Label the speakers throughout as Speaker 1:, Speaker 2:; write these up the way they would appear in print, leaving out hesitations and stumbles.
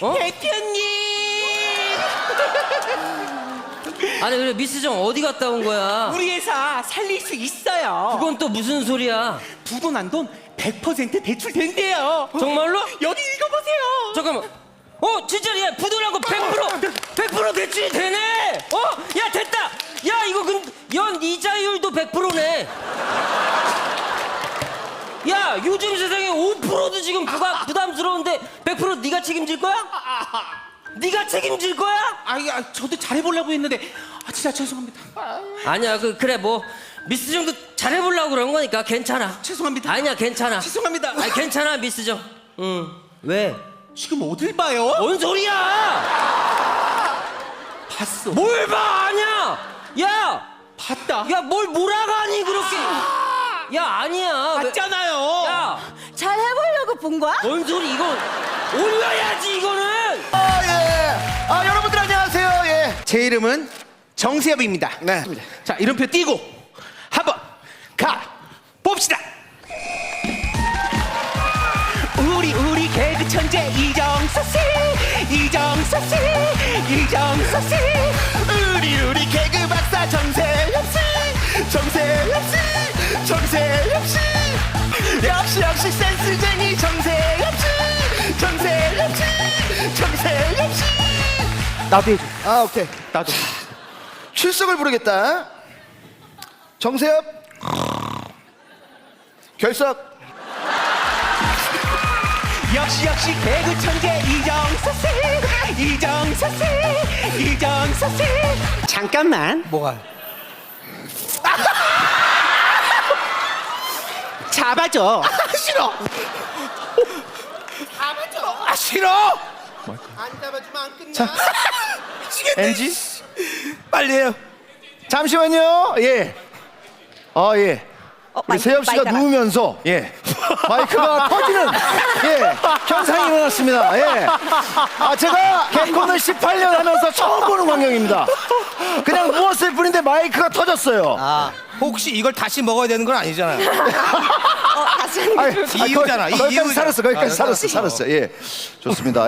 Speaker 1: 어?
Speaker 2: 대표님.
Speaker 1: 아니 그래 미스정 어디 갔다 온 거야?
Speaker 2: 우리 회사 살릴 수 있어요.
Speaker 1: 그건 또 무슨 소리야?
Speaker 2: 두고 난 돈 100% 대출된대요.
Speaker 1: 정말로?
Speaker 2: 여기 읽어보세요.
Speaker 1: 잠깐만. 진짜 야 부도난 거 100% 대출이 되네. 야 됐다. 야 이거 연 이자율도 100%네. 야 요즘 세상에 5%도 지금 부담스러운데 100% 네가 책임질 거야? 네가 책임질 거야?
Speaker 2: 저도 잘해보려고 했는데 진짜 죄송합니다.
Speaker 1: 아니야 그래 뭐 미스정도 잘해보려고 그런 거니까 괜찮아.
Speaker 2: 죄송합니다.
Speaker 1: 아니야 괜찮아.
Speaker 2: 죄송합니다.
Speaker 1: 아니 괜찮아 미스정. 왜?
Speaker 2: 지금 어딜 봐요?
Speaker 1: 뭔 소리야?
Speaker 2: 봤어.
Speaker 1: 뭘 봐? 아니야. 야,
Speaker 2: 봤다.
Speaker 1: 야 뭘 몰아가니 그렇게? 야 아니야.
Speaker 2: 봤잖아요.
Speaker 1: 야,
Speaker 3: 잘 해보려고 본 거야?
Speaker 1: 뭔 소리 이거 올려야지 이거는.
Speaker 4: 예. 여러분들 안녕하세요. 예.
Speaker 2: 제 이름은 정세엽입니다.
Speaker 4: 네.
Speaker 2: 자, 이름표 띄고 한번 가 봅시다. 우리 개그 천재 이정서 씨, 이정서 씨, 이정서 씨.
Speaker 4: 우리 개그 박사 정세엽 씨, 정세엽 씨, 정세엽 씨. 역시 센스쟁이 정세엽 씨, 정세엽 씨, 정세엽 씨.
Speaker 2: 나도 해줘.
Speaker 4: 오케이.
Speaker 2: 나도.
Speaker 4: 출석을 부르겠다. 정세엽. 결석.
Speaker 2: 역시 개그 천재 이정서 씨, 이정서 씨, 이정서 씨. 잠깐만.
Speaker 4: 뭐가?
Speaker 2: 잡아줘.
Speaker 4: 싫어.
Speaker 2: 잡아줘.
Speaker 4: 싫어.
Speaker 2: 안 잡아주면 안 끝나.
Speaker 4: 자, NG 빨리 해요. 잠시만요. 예. 예. 우리 세엽 씨가
Speaker 3: 마이크가.
Speaker 4: 누우면서 마이크가 터지는 현상이 일어났습니다. 제가 개콘을 18년 하면서 처음 보는 광경입니다. 그냥 누웠을 뿐인데 마이크가 터졌어요.
Speaker 5: 혹시 이걸 다시 먹어야 되는 건 아니잖아요.
Speaker 3: 다시 하는 게
Speaker 5: 이유잖아.
Speaker 4: 거기까지
Speaker 5: 이유잖아.
Speaker 4: 살았어. 거기까지 살았어. 좋습니다.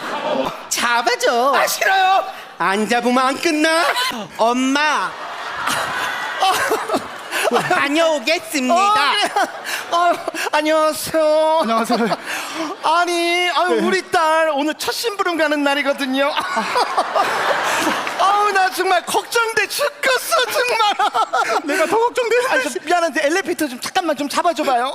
Speaker 2: 잡아줘.
Speaker 4: 싫어요.
Speaker 2: 안 잡으면 안 끝나. 엄마. 다녀오겠습니다.
Speaker 4: 안녕하세요. 안녕하세요. 우리 딸 오늘 첫 심부름 가는 날이거든요. 나 정말 걱정돼 죽겠어 정말. 내가 더 걱정돼. 미안한데 엘리베이터 좀 잠깐만 좀 잡아줘봐요.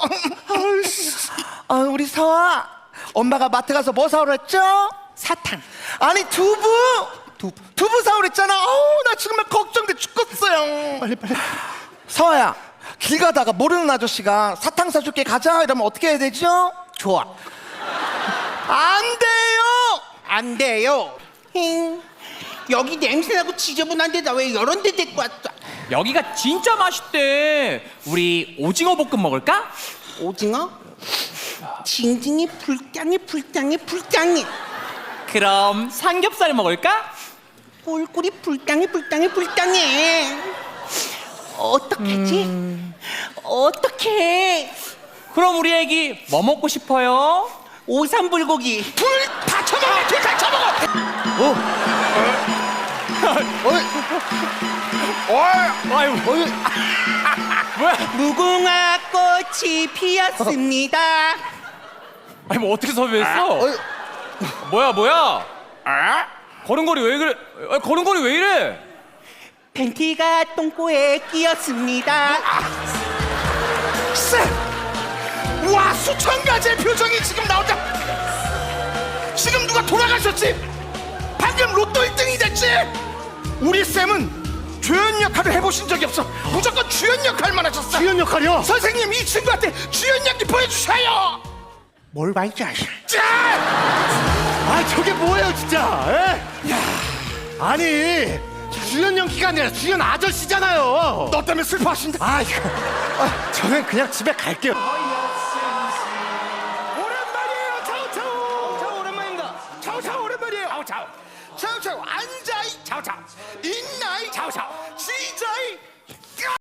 Speaker 4: 우리 서아, 엄마가 마트 가서 뭐 사오라 했죠?
Speaker 2: 사탕.
Speaker 4: 아니 두부 사오라 했잖아. 나 정말 걱정돼 죽겠어요. 빨리. 서아야, 길 가다가 모르는 아저씨가 사탕 사줄게 가자 이러면 어떻게 해야 되죠?
Speaker 2: 좋아.
Speaker 4: 안 돼요.
Speaker 2: 안 돼요. 여기 냄새나고 지저분한데 나 왜 이런 데 데리고 왔어?
Speaker 6: 여기가 진짜 맛있대. 우리 오징어 볶음 먹을까?
Speaker 2: 오징어? 징징이 불쌍해.
Speaker 6: 그럼 삼겹살 먹을까?
Speaker 2: 꿀꿀이 불쌍해. 어떡하지? 어떡해?
Speaker 6: 그럼 우리 애기 뭐 먹고 싶어요?
Speaker 2: 오삼불고기.
Speaker 4: 다 쳐먹어. 다 쳐먹어.
Speaker 6: 아유 뭐야?
Speaker 2: 무궁화 꽃이 피었습니다.
Speaker 6: 아니 뭐 어떻게 섭외했어? 뭐야? 걸음걸이 왜 그래? 걸음걸이 왜 이래?
Speaker 2: 팬티가 똥꼬에 끼었습니다.
Speaker 4: 와, 수천 가지의 표정이 지금 나온다. 지금 누가 돌아가셨지? 방금 로또 1등이 됐지? 우리 쌤은 주연 역할을 해보신 적이 없어. 무조건 주연 역할만 하셨어. 주연 역할이요? 선생님, 이 친구한테 주연 연기 보여주셔요.
Speaker 2: 뭘 말지 아시?
Speaker 4: 저게 뭐예요 진짜. 아니 주연 연기가 아니라 주연 아저씨잖아요. 너 때문에 슬퍼하신다. 저는 그냥 집에 갈게요.